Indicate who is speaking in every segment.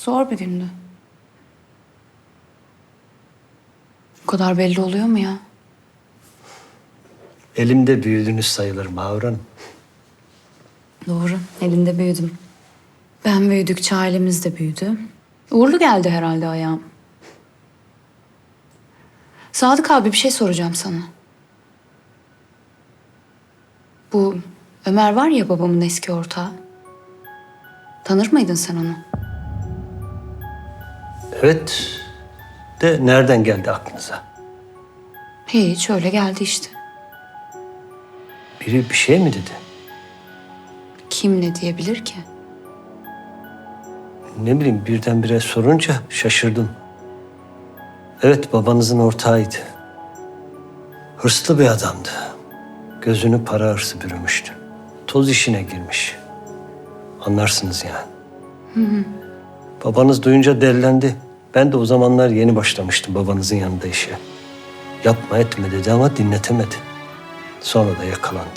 Speaker 1: Zor bir gündü. Bu kadar belli oluyor mu ya?
Speaker 2: Elimde büyüdünüz sayılır Mahur Hanım.
Speaker 1: Doğru, elinde büyüdüm. Ben büyüdükçe ailemiz de büyüdü. Uğurlu geldi herhalde ayağım. Sadık abi bir şey soracağım sana. Bu Ömer var ya babamın eski ortağı. Tanır mıydın sen onu?
Speaker 2: Evet. De nereden geldi aklınıza?
Speaker 1: Hiç öyle geldi işte.
Speaker 2: Biri bir şey mi dedi?
Speaker 1: Kim ne diyebilir ki?
Speaker 2: Ne bileyim birdenbire sorunca şaşırdım. Evet babanızın ortağıydı. Hırslı bir adamdı. Gözünü para hırsı bürümüştü. Toz işine girmiş. Anlarsınız yani. Babanız duyunca delilendi. Ben de o zamanlar yeni başlamıştım babanızın yanında işe. Yapma etme dedi ama dinletemedi. Sonra da yakalandı.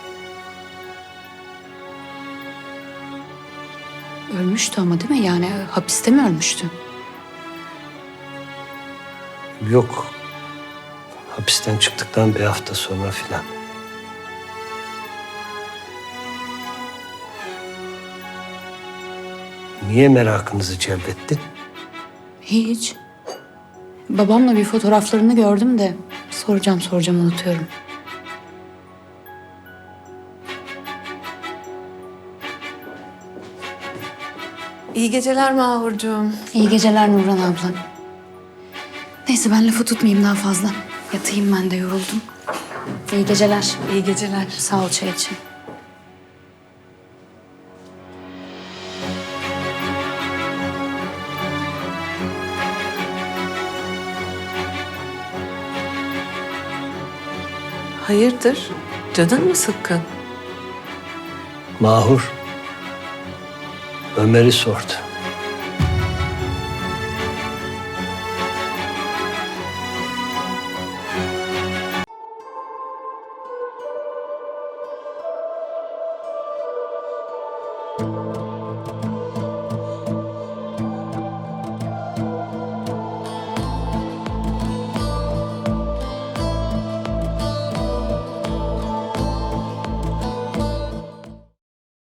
Speaker 1: Ölmüştü ama değil mi? Yani hapiste mi ölmüştü?
Speaker 2: Yok. Hapisten çıktıktan bir hafta sonra filan. Niye merakınızı celbetti?
Speaker 1: Hiç. Babamla bir fotoğraflarını gördüm de soracağım unutuyorum.
Speaker 3: İyi geceler Mahurcuğum.
Speaker 1: İyi geceler Nurhan abla. Neyse ben lafı tutmayayım daha fazla. Yatayım ben de yoruldum. İyi geceler.
Speaker 3: İyi geceler.
Speaker 1: Sağ ol çay için.
Speaker 3: Hayırdır? Canın mı sıkkın?
Speaker 2: Mahur Ömer'i sordu.